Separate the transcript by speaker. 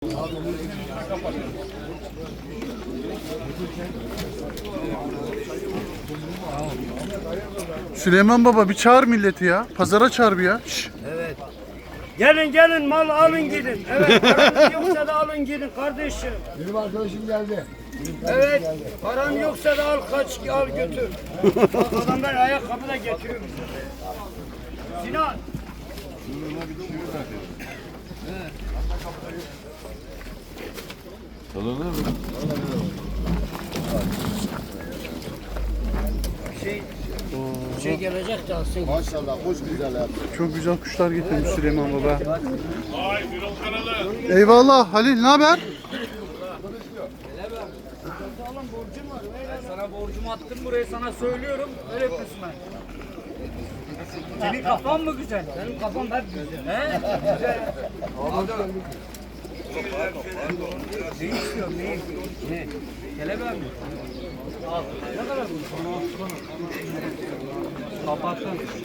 Speaker 1: Süleyman Baba bir çağır milleti ya. Pazara çağır bir ya. Şş.
Speaker 2: Evet. Gelin gelin mal alın gidin. Evet paranız yoksa da alın gidin kardeşim.
Speaker 3: Benim arkadaşım geldi.
Speaker 2: Evet paran yoksa da al kaç al götür. Bak adamlar ayakkabı da getiriyor. Sinan. Şey gelecek de alsın.
Speaker 3: Maşallah hoş güzel abi.
Speaker 1: Çok güzel kuşlar getirmiş Süleyman Baba. Eyvallah Halil, ne haber?
Speaker 4: Sana borcumu attım buraya sana söylüyorum. Öyle kısmen. Senin kafan mı güzel?
Speaker 2: Benim kafam hep güzel.
Speaker 4: He? Güzel.
Speaker 2: Ne istiyorsun ne? Ne?
Speaker 4: Kelebeği mi? Al. Ne kadar bu? Kapattın.